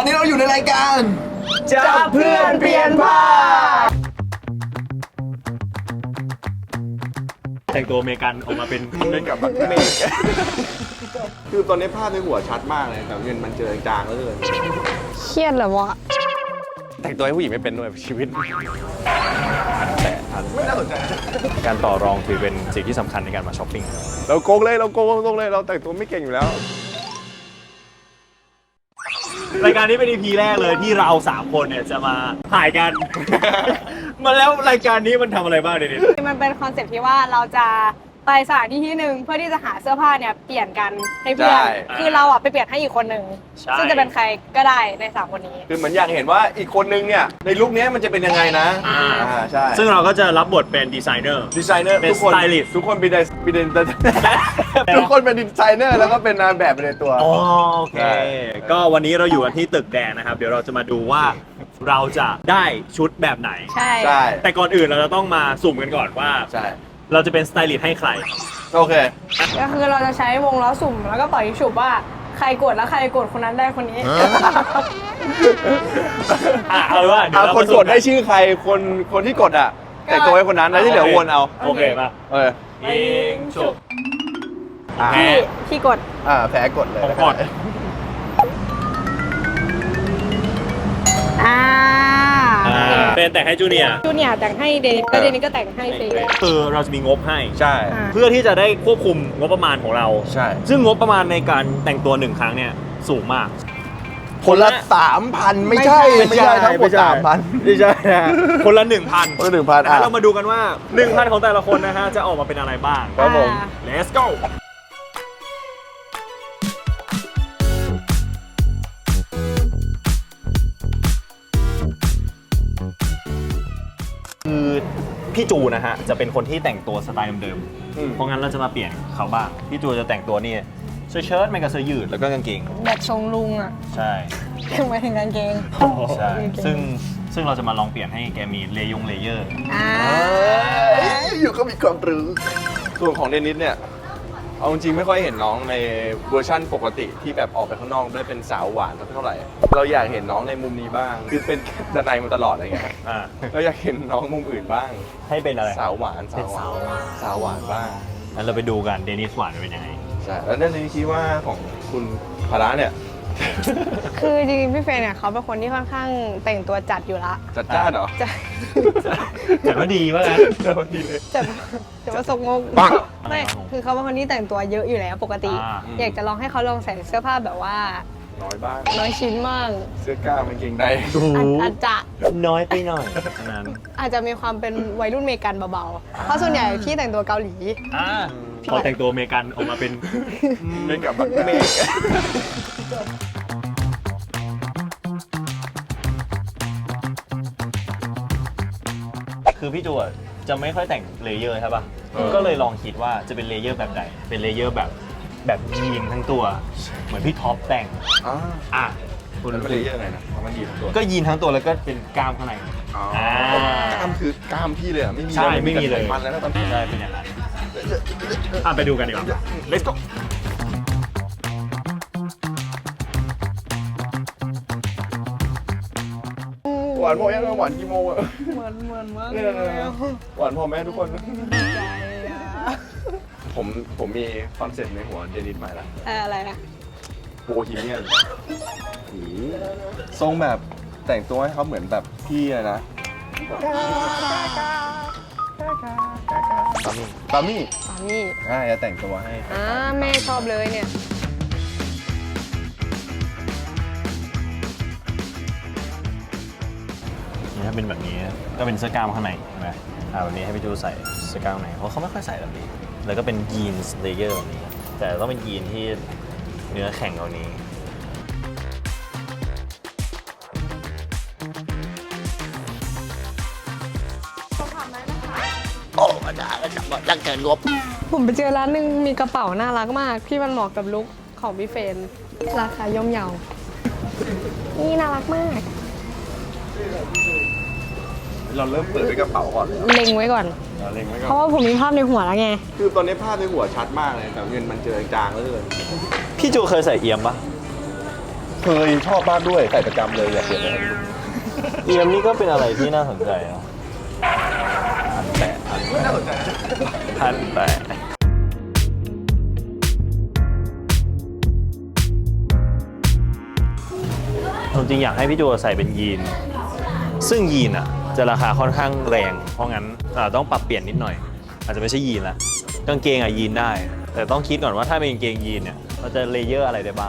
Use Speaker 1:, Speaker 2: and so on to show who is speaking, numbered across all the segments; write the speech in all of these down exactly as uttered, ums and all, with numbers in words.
Speaker 1: อนนี้เราอยู่ในรายการ
Speaker 2: จับเพื่อนเปลี่ยนผ้า
Speaker 3: แต่งตัวอเมริกันออกมาเป็นเล่นกับบักเมก
Speaker 1: คือตอนนี้ภาพในหัวชัดมากเลยแต่เงินมันเจอจางแล้วเลย
Speaker 2: เครียดเหรอวะ
Speaker 3: แต่งตัวให้ผู้หญิงไม่เป็นด้วยชีวิตแต่
Speaker 1: ไม่น่าสนใจ
Speaker 3: การต่อรองถือเป็นสิ่งที่สำคัญในการมาช้อปปิ้ง
Speaker 1: เราโกงเลยเราโกงตรงเลยเราแต่งตัวไม่เก่งอยู่แล้ว
Speaker 3: รายการนี้เป็น อี พี แรกเลยที่เราสามคนเนี่ยจะมาถ่ายกัน มาแล้วรายการนี้มันทำอะไรบ้างเด็ดๆ
Speaker 2: มันเป็นคอนเซ็ปต์ที่ว่าเราจะไปสถานที่ที่หนึ่งเพื่อที่จะหาเสื้อผ้าเนี่ยเปลี่ยนกันให้เพื่อนคือเราอ่ะไปเปลี่ยนให้อีกคนหนึ่งซึ่งจะเป็นใครก็ได้ในสามคนนี้
Speaker 1: คือเหมือนอยากเห็นว่าอีกคนนึงเนี่ยในลุคนี้มันจะเป็นยังไงนะอ่าใช่
Speaker 3: ซึ่งเราก็จะรับบทเป็นดีไซเนอร์
Speaker 1: ดีไซเนอร์
Speaker 3: ทุกคน
Speaker 1: ทุกคนเป็นเป็นทุกคนเป็นดีไซเนอร์แล้วก็เป็นนายแบบไปในตัว
Speaker 3: อ๋อโอเคก็วันนี้เราอยู่กันที่ตึกแดงนะครับเดี๋ยวเราจะมาดูว่าเราจะได้ชุดแบบไหน
Speaker 2: ใช่
Speaker 1: ใช่
Speaker 3: แต่ก่อนอื่นเราจะต้องมาสุ่มกันก่อนว่า
Speaker 1: ใช่
Speaker 3: เราจะเป็นสไตลิสต์ให้ใคร
Speaker 1: โอเค
Speaker 2: ก็คือเราจะใช้วงล้อสุ่มแล้วก็ปล่อยฉุบว่าใครกดแล้วใครกดคนนั้นได้คนนี้
Speaker 3: อ่ะเอาว่าเดี๋ยว
Speaker 1: คนกดได้ชื่อใครคนคนที่กดอ่ะแต่ตัวให้คนนั้นแล้วที่เหลือวนเอา
Speaker 3: โอเคป่ะ
Speaker 1: เออ
Speaker 3: ยิงฉุบ
Speaker 2: พี่พี่กด
Speaker 1: อ่าแพ้กดเลย
Speaker 3: ผมกด
Speaker 2: อ่า
Speaker 3: เป็นแต่งให้จูเนียร์
Speaker 2: จูเนียร์แต่งให้เดนิสก็เดนิสก็แต่งให้ฟรี
Speaker 3: คือเราจะมีงบให้
Speaker 1: ใช่
Speaker 3: เพื่อที่จะได้ควบคุมงบประมาณของเรา
Speaker 1: ใช่
Speaker 3: ซึ่งงบประมาณในการแต่งตัวหนึ่งครั้งเนี่ยสูงมาก
Speaker 1: คนละสามพันไม่ใช่ไม่ใช่ทั้งหมดสามพัน
Speaker 3: ไม่ใช่คนละหนึ่งพัน
Speaker 1: คนละหนึ่งพัน
Speaker 3: เรามาดูกันว่าหนึ่งพันของแต่ละคนนะฮะจะออกมาเป็นอะไรบ้าง
Speaker 1: ครับผม
Speaker 3: let's goคือพี่จูนะฮะจะเป็นคนที่แต่งตัวสไตล์เดิมๆเพราะงั้นเราจะมาเปลี่ยนเขาบ้างพี่จูจะแต่งตัวนี่เสื้อเชิ้ตไม่กับเสื้อยืดแล้วก็กางเกง
Speaker 2: แบบทรงลุงอ่ะ
Speaker 3: ใช่
Speaker 2: คือหมายถึงกางเกง
Speaker 3: ใช่ซึ่งซึ่งเราจะมาลองเปลี่ยนให้แกมีเลยงเลเยอร์
Speaker 2: อ่า
Speaker 1: อยู่ก็มีความรู้ส่วนของเดนิสเนี่ยเอาจริงไม่ค่อยเห็นน้องในเวอร์ชั่นปกติที่แบบออกไปข้างนอกได้เป็นสาวหวานเท่าไหร่เราอยากเห็นน้องในมุมนี้บ้างคือเป็นด้านในมาตลอดอะไรเงี้ยเราอยากเห็นน้องมุมอื่นบ้าง
Speaker 3: ให้เป็นอะไร
Speaker 1: สาวหวานสาวหวานสาวหวานบ้าง
Speaker 3: งั้นเราไปดูกันเดนิสหวานเป็นยังไง
Speaker 1: ใช่แล้วเรื่องนี้คิดว่าของคุณพาระเนี่ย
Speaker 2: คือจริงๆพี่เฟรนเนี่ยเขาเป็นคนที่ค่อนข้างแต่งตัวจัดอยู่ละ
Speaker 1: จัดจ้านเหรอ
Speaker 2: จัด
Speaker 3: จัดว่าดีว่างั้น
Speaker 1: จัดว่าดีเลย
Speaker 2: จัดจัดว่าสกงกไม่คือเขาเป็นคนที่แต่งตัวเยอะอยู่แล้วปกติอยากจะลองให้เขาลองใส่เสื้อผ้าแบบว่า
Speaker 1: น้อยบ้าง
Speaker 2: น้อยชิ้นบ้าง
Speaker 1: เสื้อกล้ามกางเกงใน
Speaker 2: อาจจะ
Speaker 3: น้อยไปหน่อยนั้น
Speaker 2: อาจจะมีความเป็นวัยรุ่นอเมริกันเบาๆเพราะส่วนใหญ่พี่แต่งตัวเกาหลี
Speaker 3: พอแต่งตัวอเมริกันออกมาเป็น
Speaker 1: เล่นกับบักเมก
Speaker 3: คือพี่จูจะไม่ค่อยแต่งเลเยอร์ใช่ป่ะก็เลยลองคิดว่าจะเป็นเลเยอร์แบบไหนเป็นเลเยอร์แบบแบบยีนทั้งตัวเหมือนพี่ท็อปแต่งอ่ะ
Speaker 1: คุณเป็นเลเยอร์ไงนะมันยีนทั้งตัว
Speaker 3: ก็ยีนทั้งตัวแล้วก็เป็นกล้ามข้างใน
Speaker 1: กล้ามคือกล้ามพี่เลยอ่ะไม่มี
Speaker 3: ใช่ไม่มีเลย
Speaker 1: มันแล้วตอนนี้
Speaker 3: ใช่เป็นอย่างนั้นอ่ะไปดูกันดีกว่า let's go
Speaker 1: หวานพอยังหวานกี่โมงอะ
Speaker 2: เหมือนเหมือนมาก
Speaker 1: หวานพอแม่ทุกคนใจอะผมผมมีคอนเซ็ปต์ในหัวเดนิสใหม่ละ
Speaker 2: อะไรนะ
Speaker 1: โบฮีเมียนทรงแบบแต่งตัวให้เขาเหมือนแบบพี่เลยนะปามี่ปามี่
Speaker 2: ปามี่
Speaker 1: อ่าจะแต่งตัวให้
Speaker 2: อ่าแม่ชอบเลยเนี่ย
Speaker 3: ถ้าเป็นแบบนี้ก็เป็นเสื้อกล้ามข้างในใช่ไหมอ่าวันนี้ให้พี่จูใส่เสื้อกล้ามข้างในเพราะเขาไม่ค่อยใส่แบบนี้แล้วก็เป็นยีนส์เลเยอร์แบบนี้แต่ต้องเป็นยีนที่เนื้อแข็งกว่านี้
Speaker 2: โอ้มาด่ากันจังจังเกินงบผมไปเจอร้านนึงมีกระเป๋าน่ารักมากที่มันเหมาะกับลุคของพี่เฟรนราคาย่อมเยานี่น่ารักมาก
Speaker 1: เราเริ่มเปิดด้วยกระเป๋าก่อน
Speaker 2: เล็งไว้ก่อน
Speaker 1: เล็งไว้ก่อน
Speaker 2: เพราะว่าผมมีภาพในหัวแล้วไง
Speaker 1: คือตอนนี้ภาพในหัวชัดมากเลยแต่เงินมันเจอจางแล้วเลย
Speaker 3: พี่จูเคยใส่เอี่ยมปะ
Speaker 1: เคยชอบมากด้วยใส่ประจำเลยอยากเปลี่ยนเลย
Speaker 3: เอียมนี่ก็เป็นอะไรที่น่าสนใจนะพันแปะพันแปะพันแปะจริงๆอยากให้พี่จูใส่เป็นยีน ซึ่งยีนอ่ะจะราคาค่อนข้างแรง เพราะงั้นอ่าต้องปรับเปลี่ยนนิดหน่อย อาจจะไม่ใช่ยีนละกางเกงอ่ะยีนได้ แต่ต้องคิดก่อนว่าถ้าเป็นกางเกงยีนเนี่ยเราจะเลเยอร์อะไรได้บ้าง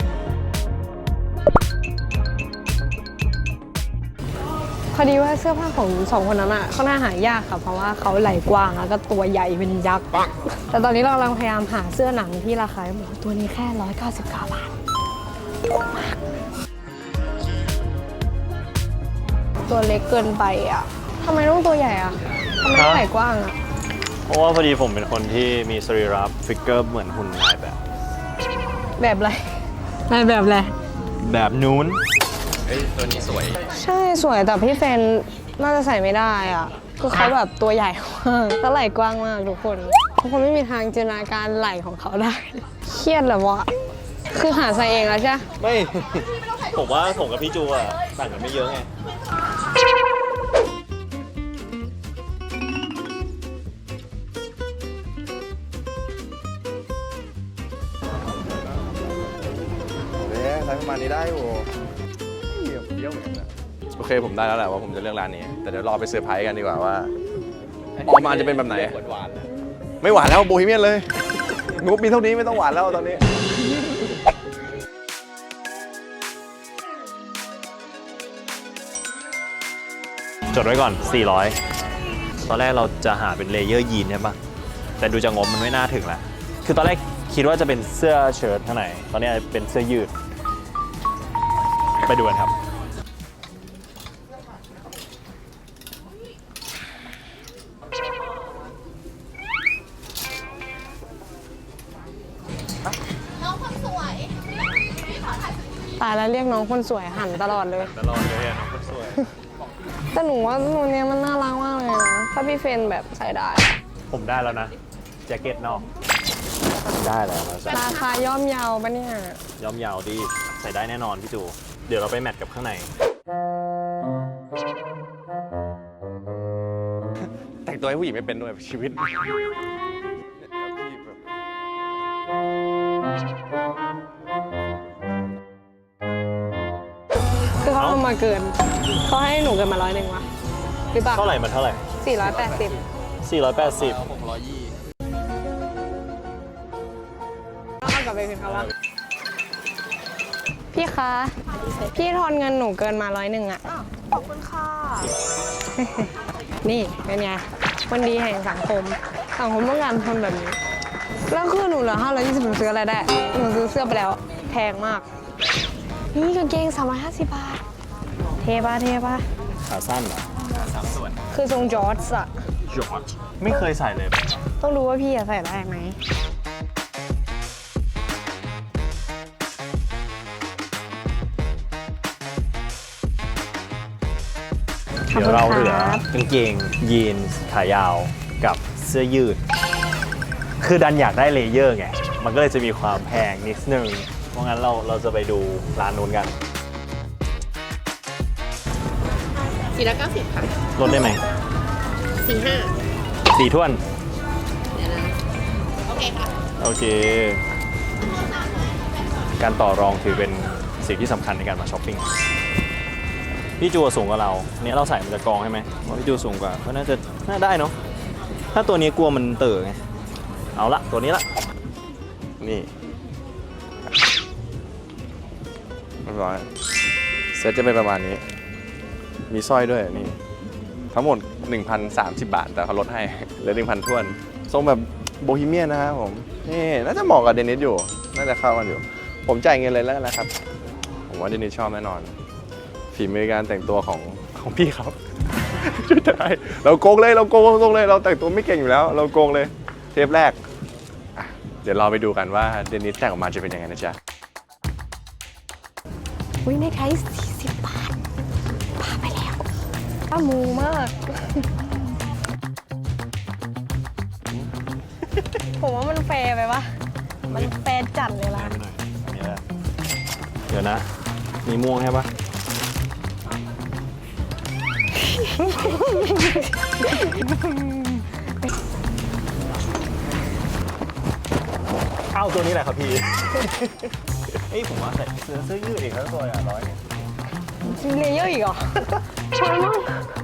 Speaker 2: พอดีว่าเสื้อผ้าของสองคนนั้นอ่ะค่อนข้างหายากค่ะ เพราะว่าเขาไหล่กว้างแล้วก็ตัวใหญ่เป็นยักษ์ แต่ตอนนี้เรากำลังพยายามหาเสื้อหนังที่ราคาหมูตัวนี้แค่ร้อยเก้าสิบเก้าบาทถูกมากตัวเล็กเกินไปอ่ะทำไมต้องตัวใหญ่อ่ะทำไมต้องไหล่กว้างอ่ะ
Speaker 3: เพราะว่าพอดีผมเป็นคนที่มีสรีระฟิกเกอร์เหมือนหุ่นนายแบบ
Speaker 2: แบบอะไรนายแบบอะไร
Speaker 3: แบบนู้น
Speaker 1: เฮ้ยตัวนี้สวย
Speaker 2: ใช่สวยแต่พี่เฟนน่าจะใส่ไม่ได้อ่ะคือเขาแบบตัวใหญ่มากแล้วไหล่กว้างมากทุกคนทุกคนไม่มีทางจินตนาการไหล่ของเขาได้ เครียดเหรอวะคือหาใส่เองแล้วใช่
Speaker 3: ไม่ ผมว่าผมกับพี่จูอะต่างกันไม่เยอะไง
Speaker 1: เฮ้ยใช้ประมาณนี้ได้โว้เยี่ยมเยี่ยมเหมือนกันนะโอเคผมได้แล้วแหละว่าผมจะเลือกร้านนี้ แต่เดี๋ยวรอไปเซอร์ไพรส์กันดีกว่าว่าออกมาจะเป็นแบบไหนไม่หวานแล้วโบฮีเมียนเลยงบมีเท่านี้ไม่ต้องหวานแล้วตอนนี้
Speaker 3: จดไว้ก่อน สี่ร้อย ตอนแรกเราจะหาเป็นเลเยอร์ยีนใช่ปะแต่ดูจากงบมันไม่น่าถึงละคือตอนแรกคิดว่าจะเป็นเสื้อเชิ้ตข้างในตอนนี้เป็นเสื้อยืด ไปดูกันครับ
Speaker 2: ตายแล้วเรียกน้องคนสวยหันตลอดเลย
Speaker 3: ตลอดเลยน้องคนสวย
Speaker 2: แต่หนูว่าตัวเนี้ยมันน่ารักมากเลยนะ ถ้าพี่เฟนแบบใส่ได้
Speaker 3: ผมได้แล้วนะ แจ็คเก็ตนอก ได้แล้วนะจ๊ะ
Speaker 2: ราคาย่อมเยาปะเนี่ย
Speaker 3: ย้อมยาวดีใส่ได้แน่นอนพี่จู เดี๋ยวเราไปแมทกับข้างใน
Speaker 1: แต่งตัวให้ผู้หญิงไม่เป็นด้วยชีวิต
Speaker 2: คือเขาเอามาเกิน เขาให้หนูเกินมาร้อยหนึ่งวะหรือเปล่า
Speaker 3: เท่าไหร่มันเท่าไหร่
Speaker 2: สี่ร้อยแปดสิบ
Speaker 3: สี่ร้อยแปดสิบ
Speaker 1: หกร้อยยี่
Speaker 2: เอากลับไปคืนเขาว่าพี่คะ พี่ทอนเงินหนูเกินมาร้อยหนึ่งอะขอบคุณค่ะ นี่เป็นไงคนดีแห่งสังคม สังคมต้องการคนแบบนี้ แล้วคือหนูเหลือห้าร้อยยี่สิบหนูซื้ออะไรได้ หนูซื้อเสื้อไปแล้ว แพงมาก นี่กางเกงสามร้อยห้าสิบบาท เทปะเทปะ
Speaker 3: ขาสั้นเหรอ
Speaker 2: คือทรงจอร์จอะ
Speaker 3: จอร์จไม่เคยใส่เลย
Speaker 2: ต้องรู้ว่าพี่จะใส่ได้ไหม
Speaker 3: เดี๋ยวเราเหลือกางเกงยีนส์ขายาวกับเสื้อยืด คือดันอยากได้เลเยอร์ไง มันก็เลยจะมีความแพงนิดนึง เพราะงั้นเราเราจะไปดูร้านนู้นกัน
Speaker 2: สี่ร้อยเก้าสิบค่ะ
Speaker 3: ลดได้ไหม
Speaker 2: สี่ห้า
Speaker 3: สี่ถ้วน
Speaker 2: เดี๋ยวนะ โอเคค่ะ
Speaker 3: โอเค การต่อรองถือเป็นสิ่งที่สำคัญในการมาช้อปปิ้ง พี่จูสูงกว่าเราเนี่ยเราใส่มันจะกองใช่ไหมว่าพี่จูสูงกว่าก็น่าจะน่าได้เนาะ ถ้าตัวนี้กลัวมันเต๋อไง เอาละตัวนี้ละ
Speaker 1: นี่เรียบร้อยเซ็ตจะเป็นประมาณนี้ มีสร้อยด้วยนี่ ทั้งหมด หนึ่งพันสามสิบ บาท แต่เขาลดให้เหลือ หนึ่งพัน ท้วน ทรงแบบโบฮีเมียนนะครับผม นี่น่าจะเหมาะกับเดนิสอยู่ น่าจะเข้ากันอยู่ ผมจ่ายเงินเลยแล้วกันนะครับ ผมว่าเดนิสชอบแน่นอน ฝีมือการแต่งตัวของของพี่เขา ช่วยได้เราโกงเลยเราโกงตรงเลย เราแต่งตัวไม่เก่งอยู่แล้ว เราโกงเลย เทปแรกอ่ะเดี๋ยวเราไปดูกันว่าเดนิสแต่งออกมาจะเป็นยังไงนะจ๊ะ
Speaker 2: อุ้ยในไทยสี่สิบบาทพาไปแล้วป้ามูมาก ผมว่ามันแฟร์ไปปะมันแฟร์จัดเลยล่ะ
Speaker 3: เดี๋ยวนะมีม่วงใช่ปะเอาตัวนี้แหละครับพี่ เอ้ยผมว่าใส่เสื้อเสื้อยืดอีกทั้งตัวอ่ะร้อยเนี่ย
Speaker 2: เลเยอร์อีกเหรอชนมั้ง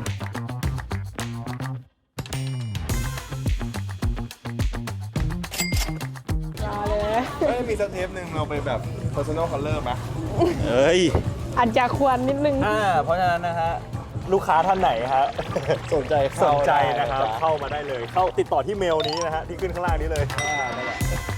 Speaker 2: มาเลย
Speaker 1: เอ้ยมีสเทปหนึ่งเราไปแบบ personal color ไหม
Speaker 3: เอ้ย
Speaker 2: อาจจะควรนิดนึง
Speaker 3: อ่าเพราะฉะนั้นนะฮะลูกค้าท่านไหนฮะ
Speaker 1: สนใจ
Speaker 3: ส
Speaker 1: เข้าน
Speaker 3: ใจ
Speaker 1: ได้
Speaker 3: นะครับ
Speaker 1: จ๊
Speaker 3: เข้ามาได้เลย เข้าติดต่อที่เมลนี้นะฮะที่ขึ้นข้างล่างนี้เลย
Speaker 1: อ่านั่นแหละ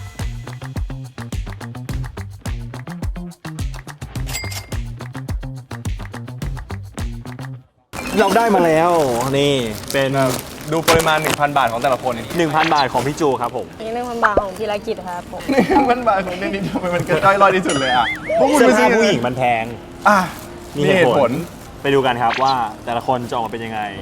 Speaker 3: เราได้มาแล้ว นี่เป็น
Speaker 1: ดูปริมาณ หนึ่งพัน บาทของแต่ละคน
Speaker 3: หนึ่งพัน บาทของพี่จูครับผม
Speaker 2: นี่หนึ่งพันบาทของธีรกิจครับผม
Speaker 1: หนึ่งพัน บาทของเดนิสทำไมมันเกินด้อยลอยที่สุดเลยอ่ะพวกคุณ
Speaker 3: เสื้อ
Speaker 1: ไม่
Speaker 3: ผ้า
Speaker 1: ซื้อ
Speaker 3: ผู้หญิงมันแพง
Speaker 1: อ่ะ
Speaker 3: มี
Speaker 1: มี
Speaker 3: เห
Speaker 1: เห
Speaker 3: ตุ
Speaker 1: ตุ
Speaker 3: ผ
Speaker 1: ผ
Speaker 3: ล
Speaker 1: ล
Speaker 3: ไปดูกันครับว่าแต่ละคนจะออกมาเป็นยังไง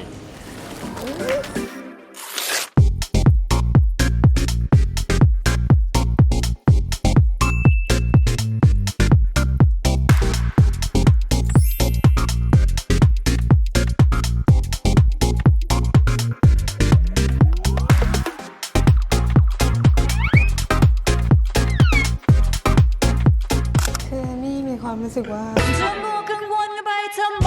Speaker 2: คือนี่มีความรู้สึกว่า
Speaker 4: จะมัวกังวลไปทำไม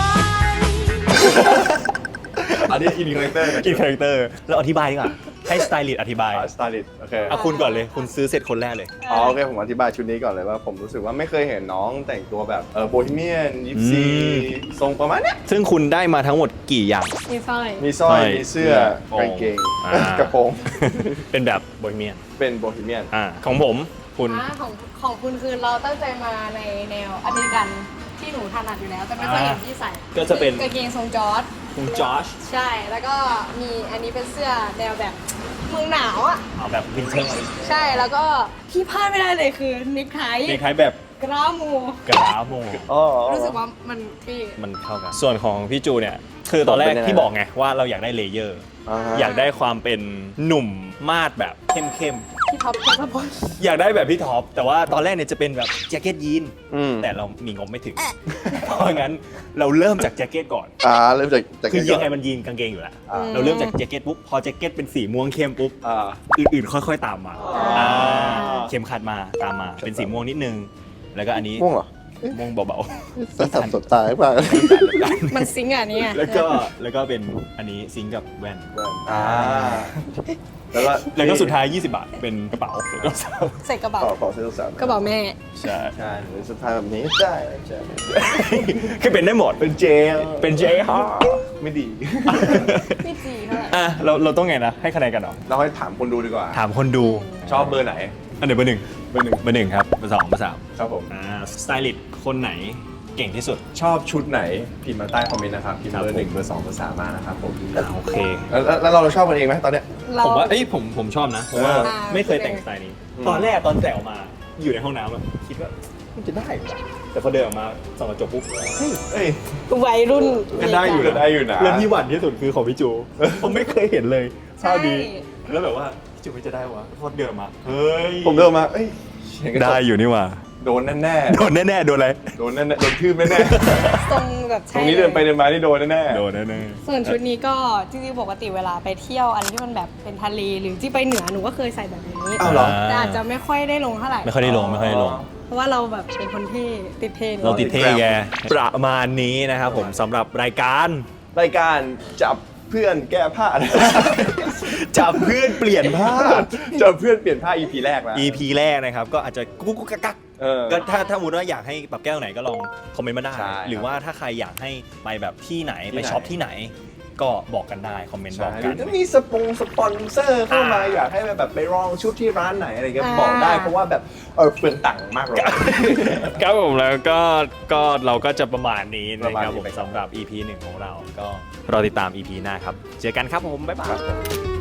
Speaker 1: อันนี้อินคาแรคเตอร์
Speaker 3: อินคาแรคเตอร์เราอธิบายดีกว่าให้สไตลิสต์อธิบาย
Speaker 1: สไตลิสต์โอเค
Speaker 3: เอาคุณก่อนเลย คุณซื้อเสร็จคนแรกเลย
Speaker 1: อ๋อโอเคผมอธิบายชุดนี้ก่อนเลยว่าผมรู้สึกว่าไม่เคยเห็นน้องแต่งตัวแบบเออโบฮีเมียนยิปซี
Speaker 3: อืม
Speaker 1: ทรงประมาณเนี้ย
Speaker 3: ซึ่งคุณได้มาทั้งหมดกี่อย่าง
Speaker 2: มีสร้อย
Speaker 1: มีสร้อย
Speaker 3: สร้อย
Speaker 1: มีเสื้อ
Speaker 3: เสื้อก
Speaker 1: างเกง
Speaker 3: อ่าก
Speaker 1: ระโปรง
Speaker 3: เป็นแบบโบฮีเมียน
Speaker 1: เป็นโบฮีเมียน
Speaker 3: อ่าของผมคุณ
Speaker 2: อ่าของของคุณคือเราตั้งใจมาในแนวอเมริกันที่หนูถนัดอยู่แล้ว แต่ไม่ค่อยเห็นที่ใส่
Speaker 3: ก็จะเป็น
Speaker 2: กางเกงทรงจอร์จ
Speaker 3: คุณจอช
Speaker 2: ใช่ แล้วก็มีอันนี้เป็นเสื้อแนวแบบเมืองหนาวอ่ะ
Speaker 3: เอาแบบวินเทอร์
Speaker 2: ใช่ แล้วก็ที่พลาดไม่ได้เลยคือเนคไท
Speaker 3: เด็กคล้ายแบบ
Speaker 2: กรามู
Speaker 3: กราโม
Speaker 1: อ๋อ
Speaker 2: รู้สึกว่ามันปี
Speaker 3: มันเข้ากัน ส่วนของพี่จูเนี่ย คือตอนแรก
Speaker 1: เป็นยังไง
Speaker 3: ที่บอกไงว่าเราอยากได้เลเยอร์
Speaker 1: อ่าฮะ
Speaker 3: อยากได้ความเป็นหนุ่มมาดแบบเข้ม
Speaker 2: ที่ท็อปทัศพล
Speaker 3: ๆ อยากได้แบบพี่ท็อป แต่ว่าตอนแรกเนี่ยจะเป็นแบบแจ็คเก็ตยีน
Speaker 1: อืม
Speaker 3: แต่เรามีงบไม่ถึง เพราะงั้นเราเริ่มจากแจ็คเก็ตก่อน
Speaker 1: อ่าเริ่มจากจาก
Speaker 3: คือ
Speaker 1: ก่
Speaker 3: ยั
Speaker 1: น
Speaker 3: งไงมันยีนกางเกงอยู่แล้ว
Speaker 1: อ่า
Speaker 3: เราเริ่มจากแจ็คเก็ตปุ๊บ พอแจ็คเก็ตเป็นสีม่วงเข้มปุ๊บ
Speaker 1: อ่า
Speaker 3: อื่นๆ ค่อยๆ ตามมา
Speaker 1: อ่า
Speaker 3: อ่าเข็มขัดมาตามมา เป็นสีม่วงนิดนึง แล้วก็อันนี้
Speaker 1: ม่วงเหรอ
Speaker 3: ม่วงเบา
Speaker 1: สับสับสดตายเปล่า
Speaker 2: มันซิงก์อ่ะเนี่ย
Speaker 3: ๆ แล้วก็แล้วก็เป็นอันนี้ซิงค์กับแว่น
Speaker 1: อ่าแล้วก็
Speaker 3: แล้วก็สุดท้าย ยี่สิบบาท เป็นกระเป๋าแล้วก็สาว
Speaker 2: ใส่กระเป๋า
Speaker 1: ขอขอเสื้อสาม
Speaker 2: กระเป๋าแม่
Speaker 3: ใช่
Speaker 1: ใช่หรือสุดท้ายแบบนี้ได้ใช่
Speaker 3: คือเป็นได้หมด
Speaker 1: เป็นเจล
Speaker 3: เป็นเจฮะ
Speaker 1: ไม่ดี
Speaker 2: ไม่จีเท่าไหร่
Speaker 3: อ่ะเราเราต้องไงนะ ให้คะแนนกันเหรอ
Speaker 1: เราให้ถามคนดูดีกว่า
Speaker 3: ถามคนดู
Speaker 1: ชอบเบอร์ไหน
Speaker 3: อันไหนเบอร์หนึ่ง
Speaker 1: เบอร์หนึ่ง
Speaker 3: เบอร์หนึ่งครับเบอร์สองเบอร์สาม
Speaker 1: ครับผม
Speaker 3: อ่าสไตลิสต์คนไหนเก่งที่สุด
Speaker 1: ชอบชุดไหนพิมพ์มาใต้คอมเมนต์นะครับพิมพ์
Speaker 3: ครับ
Speaker 1: เบอร์หนึ่ง
Speaker 3: ผม
Speaker 1: เบอร์สองเบอร์สามมานะครับผม
Speaker 3: อ่าโอเค
Speaker 1: แล้วแล้วแล้วเราชอบกันเองไหมตอนเนี้ย
Speaker 2: เรา
Speaker 3: ผมว่าเอ้ยผมผมชอบนะ เพราะว่า
Speaker 2: อ่า
Speaker 3: ไม่เคยแต่งสไตล์นี้
Speaker 1: อืม
Speaker 3: ตอนแรกตอนแต่ออกมาอยู่ในห้องน้ำอะคิดว่ามันจะได้เหรอแต่พอเดินออกมาส่องกระจกปุ๊บเฮ้ย
Speaker 1: เอ้ย
Speaker 2: วัยรุ่น
Speaker 3: ก็ได้อยู่
Speaker 1: ก็
Speaker 3: นะ
Speaker 1: ได้อยู่นะ
Speaker 3: เรื่องที่หวั่นที่สุดคือของพี่จู ผมไม่เคยเห็นเลย
Speaker 2: ใช่
Speaker 3: เท่านี้แล้วแบบว่าพี่จูไม่จะได้วะพอเดินออกมาเฮ้ย
Speaker 1: ผมเดินมาเอ้ยเห็นกระจก
Speaker 3: ได้อยู่นี่หว่า
Speaker 1: โดนแน่
Speaker 3: โดนแน่ๆโดนอะไร
Speaker 1: ๆโดนแน่ๆโดนทืบแน่
Speaker 2: ทรงแบบ
Speaker 1: ๆต
Speaker 2: ใช่
Speaker 1: รงนี้เดินไปเดินมานี่โดนแน่ๆ
Speaker 3: โดนแน่
Speaker 2: ส่วนชุดนี้ก็จริงๆปกติเวลาไปเที่ยวอันที่มันแบบเป็นทะเลหรือที่ไปเหนือหนูก็เคยใส่แบบนี้
Speaker 1: อ้าวเหรอ
Speaker 2: แต่อาจจะไม่ค่อยได้ลงเท่าไหร่
Speaker 3: ไม่ค่อยได้ลงไม่ค่อยได้ลง
Speaker 2: เพราะว่าเราแบบเป็นคนที่ติดเทรนด์
Speaker 3: เราติดเท่แกประมาณนี้นะครับผมสำหรับรายการ
Speaker 1: รายการจับเพื่อนแก้ผ้า
Speaker 3: จับเพื่อนเปลี่ยนผ้า
Speaker 1: จับเพื่อนเปลี่ยนผ้า อี พี แรกแล้ว
Speaker 3: อี พี แรกนะครับ ก็อาจจะกุ๊กกุ๊กกักกัก
Speaker 1: เออ
Speaker 3: ก็ถ้าถ้าสมมติว่าอยากให้ปรับแก้วไหนก็ลองคอมเมนต์มาได้
Speaker 1: ใช่
Speaker 3: หรือว่าถ้าใครอยากให้ไปแบบที่ไหน
Speaker 1: ที่
Speaker 3: ไป
Speaker 1: ไหน
Speaker 3: ช็อปที่ไหน ก็บอกกันได้คอมเมนต์บ
Speaker 1: ใช่
Speaker 3: อก
Speaker 1: ห
Speaker 3: กั
Speaker 1: รื
Speaker 3: น
Speaker 1: อถ้ามีสปงสปอนเซอร์เข้ามาอยากให้แบบไปลองชุดที่ร้านไหนอะไรก็บอกได้เพราะว่าแบบเออเปลืองตังค์มากเลย
Speaker 3: ครับผมแล้วก็ก็เราก็จะประมาณนี้
Speaker 1: ประ
Speaker 3: นะ
Speaker 1: มาณ
Speaker 3: ครับ
Speaker 1: นี้
Speaker 3: ผม
Speaker 1: ไปก่อน
Speaker 3: สำหรับ อี พี หนึ่งของเราก็รอติดตาม อี พี หน้าครับ เจอกันครับผม บ๊ายบาย